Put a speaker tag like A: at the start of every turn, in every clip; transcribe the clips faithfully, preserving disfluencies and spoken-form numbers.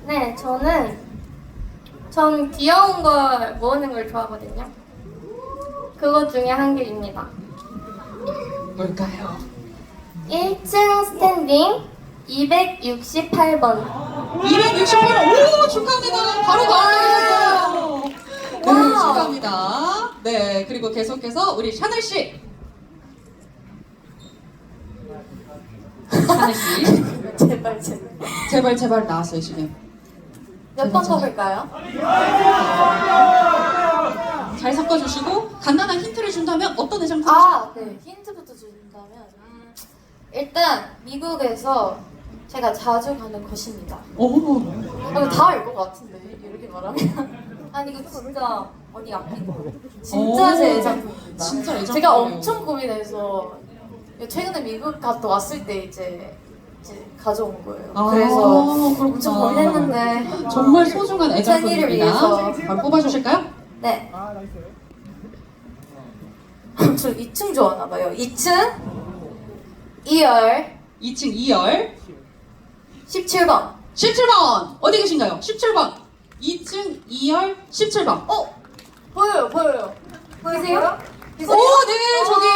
A: 네, 저는 전 귀여운 걸 모으는 걸 좋아하거든요. 그것 중에 한 개입니다.
B: 뭘까요?
A: 일 층 스탠딩 이백육십팔 번.
B: 이백육십팔 번. 오, 축하합니다. 바로 나오셨어요. 네, 축하합니다. 네, 그리고 계속해서 우리 샤넬 씨. 샤넬 씨.
A: 제발 제발.
B: 제발 제발 나왔어요 지금.
A: 몇 번 뽑을까요?
B: 잘 섞어주시고 간단한 힌트를 준다면 어떤 애장품?
A: 아, 네. 힌트부터 준다면 음, 일단 미국에서 제가 자주 가는 곳입니다.
B: 오.
A: 아, 다 알 것 같은데 이렇게 말하면. 아니 이거 진짜 언니 아끼고 진짜
B: 오,
A: 제 애장품입니다.
B: 진짜 애장품이에요.
A: 제가 엄청 고민해서 최근에 미국 갔다 왔을 때 이제 이제 가져온 거예요.
B: 아,
A: 그래서
B: 그렇구나.
A: 엄청 고민했는데
B: 정말 소중한
A: 생일을
B: 애장품입니다.
A: 위해서.
B: 바로 뽑아주실까요?
A: 네. 저 이 층 좋아하나 봐요. 이 층 이 열
B: 이 층 이 열
A: 십칠 번.
B: 십칠 번 어디 계신가요? 십칠 번 이 층 이 열 십칠 번.
A: 어? 보여요, 보여요. 보이세요?
B: 오, 네, 저기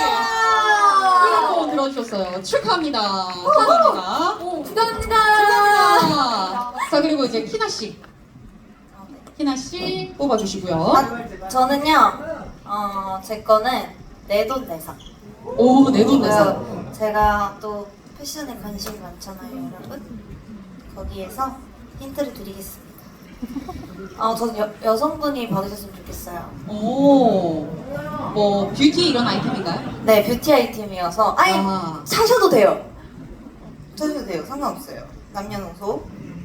A: 아~
B: 이거 들어주셨어요. 축하합니다. 축하합니다.
A: 오, 축하합니다.
B: 축하합니다. 자, 그리고 이제 키나 씨, 키나 씨 뽑아주시고요.
C: 아, 저는요, 어, 제 거는 내돈내산.
B: 오, 내돈내산.
C: 어, 제가 또 패션에 관심이 많잖아요, 여러분. 거기에서 힌트를 드리겠습니다. 어, 저는 여, 여성분이 받으셨으면 좋겠어요.
B: 오, 뭐 뷰티 이런 아이템인가요?
C: 네, 뷰티 아이템이어서 아니
B: 아.
C: 사셔도 돼요. 사셔도 돼요. 상관없어요. 남녀노소.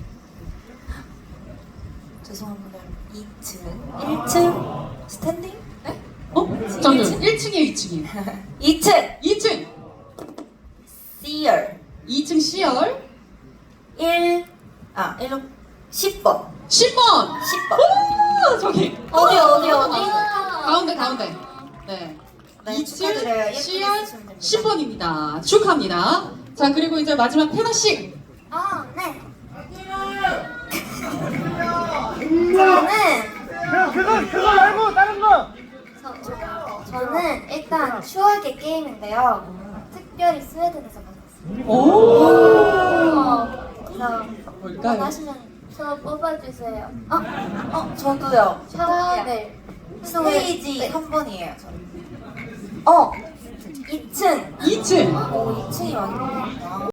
C: 죄송합니다. 이 층, 일 층 스탠딩? 네?
B: 어? 잠깐만, 일 층이에요, 이 층이에요.
C: 이 층
B: 이 층,
C: C열
B: 이 층 C열
C: 일, 아, 일로 십 번.
B: 십 번.
C: 십 번.
B: 오, 저기
C: 어디 어디 어디?
B: 가운데 가운데. 네.
C: 네,
B: 이 층
C: 축하드려요. 예쁘게
B: C열
C: 쓰시면 됩니다.
B: 십 번입니다. 축하합니다. 자, 그리고 이제 마지막 페나 씨.
C: 아, 네. 저는
D: 그거 그거 말고 다른 거.
C: 저, 저, 저는 일단 추억의 게임인데요. 특별히 스웨덴에서 받았어요.
B: 오.
C: 그래서
B: 뭘까요?
C: 원하시면
A: 저 뽑아주세요.
C: 어? 어? 저도요.
A: 샤넬.
C: 스테이지 삼 번이에요. 저는. 어! 이 층.
B: 이 층.
C: 오, 이 층이 많이 보이구나.